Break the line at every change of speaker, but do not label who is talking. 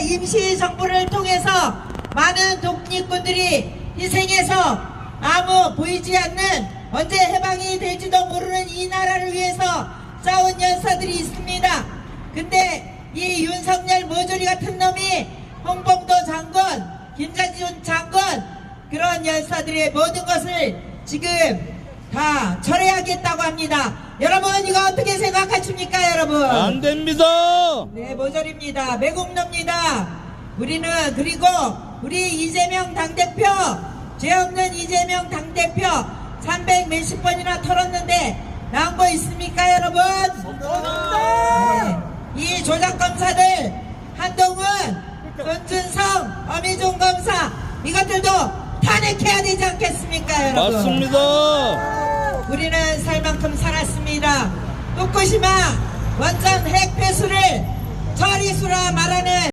임시정부를 통해서 많은 독립군들이 희생해서 아무 보이지 않는 언제 해방이 될지도 모르는 이 나라를 위해서 싸운 열사들이 있습니다. 근데 이 윤석열 모조리 같은 놈이 홍범도 장군, 김자준 장군 그런 열사들의 모든 것을 지금 다 철회하겠다고 합니다. 여러분 이거 어떻게 생각하십니까 여러분?
안 됩니다.
네, 모조리입니다. 매국노입니다. 우리는 그리고 우리 이재명 당대표, 죄 없는 이재명 당대표 300 몇십 번이나 털었는데 나온 거 있습니까 여러분? 네. 이 조작검사들 한동훈, 손준성, 어미종 검사 이것들도 탄핵해야 되지 않겠습니까 여러분?
맞습니다.
우리는 살 만큼 살았습니다. 후쿠시마 원전 핵 폐수를 처리수라 말하는